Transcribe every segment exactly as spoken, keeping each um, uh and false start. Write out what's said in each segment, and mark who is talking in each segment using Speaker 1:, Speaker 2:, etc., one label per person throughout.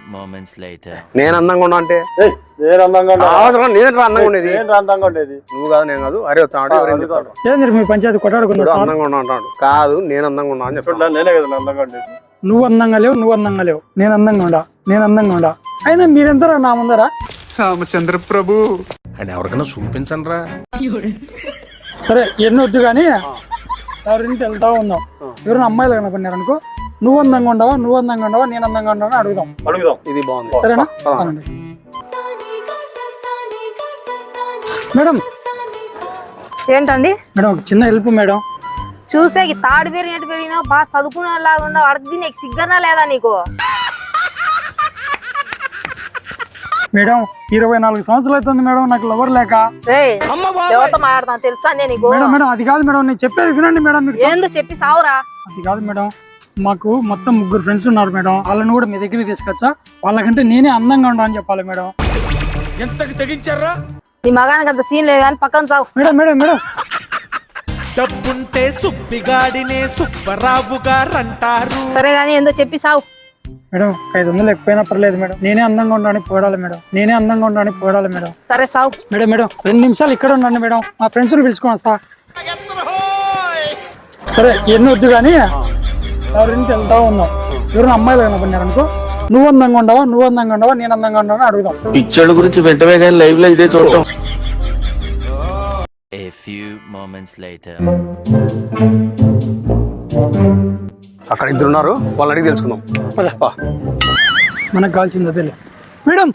Speaker 1: moments later.
Speaker 2: నేను అందంగా ఉన్నా అంటే
Speaker 3: నేను అందంగా ఉన్నా
Speaker 2: అవసరం నేను అందంగా ఉండేది
Speaker 3: నేను అందంగా ఉండేది
Speaker 2: నువ్వు కాదు నేను కాదు అరే వస్తాడు
Speaker 4: ఏంది మీ పంచాయతీ కొట్టాడుకున్నా
Speaker 2: అందంగా ఉన్నా అంటాడు కాదు నేను అందంగా ఉన్నా అని చెప్పాడు
Speaker 3: నేనే కదా అందంగా ఉండేది
Speaker 4: నువ్వు అందంగా లేవు నువ్వు అందంగా లేవు నేను అందంగా ఉండా నేను అందంగా ఉండా అయినా మీరెంతరా నా ముందరా
Speaker 5: రామచంద్ర ప్రభు
Speaker 6: అని ఎవరికైనా చూపించండి రా.
Speaker 4: సరే ఎన్ని వద్దు కానీ ఎవరింటి వెళ్తా ఉందాం ఎవరైనా అమ్మాయిలు కనపడినారు అనుకో నువ్వు అందంగా ఉండవా నువ్వు అందంగా ఉండవా నేను అందంగా ఉండవా అడుగుదాం
Speaker 3: అడుగుదాం
Speaker 2: ఇది బాగుంది
Speaker 4: సరేనా అనండి మేడం
Speaker 7: ఏంటండి
Speaker 4: మేడం ఒక చిన్న హెల్ప్ మేడం
Speaker 7: చూసే తాడు పెరిగినట్టు పెరిగినావు బాగా చదువుకునే లాగా ఉన్నావు అడిగి నీకు సిగ్గనా లేదా నీకు
Speaker 4: మేడం ఇరవై నాలుగు సంవత్సరాలు అవుతుంది మేడం నాకు లవర్ లేక
Speaker 7: ఎవరితో మాట్లాడతాను తెలుసా నేను నీకు
Speaker 4: మేడం మేడం అది కాదు మేడం నేను చెప్పేది వినండి మేడం మీకు
Speaker 7: ఏందో చెప్పి సావురా
Speaker 4: అది కాదు మేడం మాకు మొత్తం ముగ్గురు ఫ్రెండ్స్ ఉన్నారు మేడం వాళ్ళని కూడా మీ దగ్గరికి తీసుకొచ్చా వాళ్ళకంటే నేనే అందంగా ఉండా అని చెప్పాలి మేడం
Speaker 6: ఎంతకు తెగించారా
Speaker 7: నీ మగానికి అంత సీన్ లేదు కానీ పక్కన సావు
Speaker 4: మేడం మేడం మేడం
Speaker 8: డబ్బుంటే సుబ్బిగాడినే సుబ్బరావు గారంటారు.
Speaker 7: సరే గానీ ఏందో చెప్పి సావు
Speaker 4: మేడం ఐదు వందలు ఎక్కువైనా పర్లేదు మేడం నేనే అందంగా ఉండాలని పోడాలి మేడం నేనే అందంగా ఉండాలని పోడాలి మేడం
Speaker 7: సరే సావు
Speaker 4: మేడం మేడం రెండు నిమిషాలు ఇక్కడ ఉండండి మేడం మా ఫ్రెండ్స్ పిలుచుకొని వస్తా సరే ఎన్ని వద్దు కానీ ఎవరింటి వెళ్తా ఉందాం ఎవరైనా అమ్మాయిలు కనపడినారు అనుకో నువ్వు అందంగా ఉండవా నువ్వు అందంగా ఉండవా నేను అందంగా ఉండవా అడుగుదాం
Speaker 6: పిచ్చోళ్ళ గురించి వెంటనే కానీ లైవ్ లో ఇదే చూడటం.
Speaker 1: A few moments later.
Speaker 2: అక్కడ ఇద్దరు ఉన్నారు వాళ్ళు అడిగి తెలుసుకుందాం
Speaker 4: పద. మనకు కావాల్సింది అదే మేడం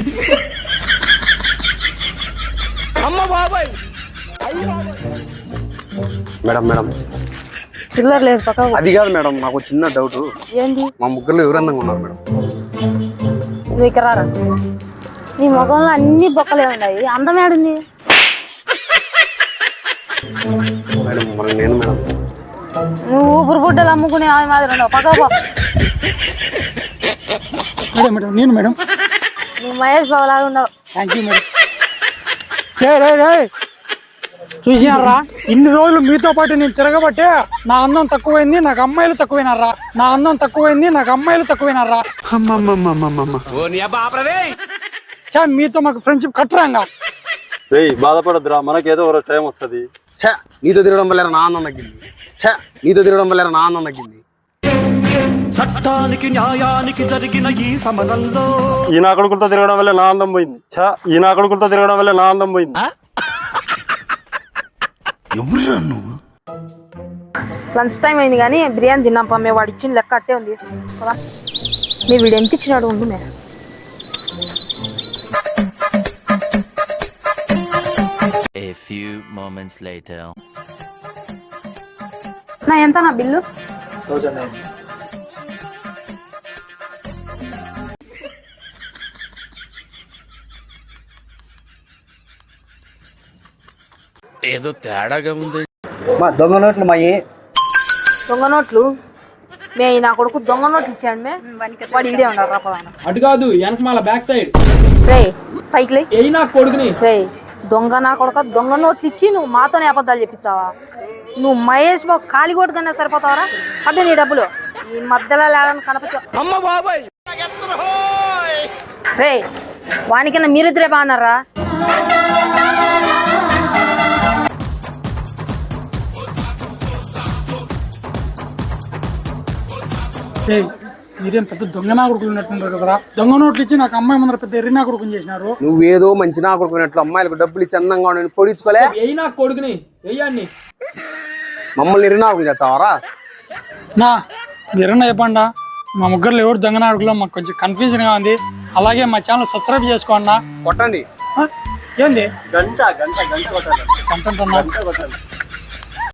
Speaker 2: మేడం మేడం
Speaker 7: చిల్లర లేదు పక్క
Speaker 2: అది కాదు మేడం నాకు చిన్న డౌట్
Speaker 7: ఏంది
Speaker 2: మా ముగ్గురులో ఎవరు అందంగా ఉన్నారు మేడం
Speaker 7: నువ్వు ఇక్కడ రారా నీ ముఖంలో అన్ని బొక్కలే ఉన్నాయి అందం ఏడుంది
Speaker 2: మేడం మరి నేను మేడం
Speaker 7: నువ్వు ఊపిరి బుడ్డలు అమ్ముకునే ఆమె మాదిరి ఉన్నావు పక్క పో
Speaker 4: మేడం మేడం నేను మేడం
Speaker 7: నువ్వు మహేష్ బాబు లాగా ఉన్నావు
Speaker 4: థ్యాంక్ యూ మేడం రే రే రే చూసినారా ఇన్ని రోజులు మీతో పాటు నేను తిరగబట్టే నా అందం తక్కువైంది నాకు అమ్మాయిలు తక్కువైనారా నా అందం తక్కువైంది నాకు అమ్మాయిలు తక్కువైనారా చా మీతో మాకు ఫ్రెండ్షిప్ కట్టరాంగా
Speaker 3: రేయ్ బాధపడద్దురా మనకేదో ఒక టైం వస్తుంది
Speaker 2: ఛా నీతో తిరగడం వల్ల నా ఆనందం తగ్గింది ఛా నీతో తిరగడం వల్ల నా ఆనందం తగ్గింది
Speaker 8: చట్టానికి న్యాయానికి జరిగిన ఈ సమరంలో
Speaker 3: ఈ నా కొడుకులతో తిరగడం వల్ల నా ఆనందం పోయింది ఛా ఈ నా కొడుకులతో తిరగడం వల్ల నా ఆనందం పోయింది
Speaker 6: ఎవరురా నువ్వు
Speaker 7: లంచ్ టైం అయింది కానీ బిర్యానీ తిన్నాం పమ్మే వాడు ఇచ్చిన లెక్క అట్టే ఉంది పదా. నీ వీడు ఎంత ఇచ్చినాడు ఉండు మే
Speaker 1: A few moments later.
Speaker 7: నా ఎంత నా బిల్లు
Speaker 6: ఏదో తేడాగా ఉంది.
Speaker 2: మా దొంగ నోట్లు మా ఏ
Speaker 7: దొంగ నోట్లు మే నా కొడుకు దొంగ నోట్లు ఇచ్చాడు మే వాడు ఇడే ఉన్నాడు రా పదాన
Speaker 9: అటు కాదు వెనక మళ్ళా బ్యాక్ సైడ్
Speaker 7: రే పైకి లే
Speaker 9: ఏ నా కొడుకుని
Speaker 7: రే దొంగ నా కొడుక దొంగ నోట్లు ఇచ్చి నువ్వు మాతోనే అబద్ధాలు చెప్పించావా నువ్వు మహేష్ బాబు కాలి కొట్టుకన్నా సరిపోతావరా అంటే నీ డబ్బులు ఈ మధ్యలో లేడని కనపచ్చా రే వానికన్నా మీరిద్దరే బాగున్నారా
Speaker 4: మీరేం పెద్ద దొంగ నా కొడుకులు ఉన్నట్టున్నారు కదరా దొంగ నోట్లు ఇచ్చి నాకు అమ్మాయి ముందర పెద్ద ఎర్రి నా కొడుకుని చేసినారు
Speaker 2: నువ్వేదో మంచి నా కొడుకున్నట్లు అమ్మాయిలకు డబ్బులు ఇచ్చి అందంగా ఉండని పొడించుకోలే
Speaker 9: ఏ నా కొడుకుని వెయ్యాన్ని
Speaker 2: మమ్మల్ని ఎర్రి నా కొడుకు చేస్తావారా
Speaker 4: నా మీరన్నా చెప్పండా మా ముగ్గురులో ఎవరు దొంగ నా కొడుకులో మాకు కొంచెం కన్ఫ్యూజన్ గా ఉంది అలాగే మా ఛానల్ సబ్స్క్రైబ్ చేసుకోండి
Speaker 2: కొట్టండి
Speaker 4: ఏంది
Speaker 3: గంట గంట గంట కొట్టాలి
Speaker 4: కంటెంట్ అన్నా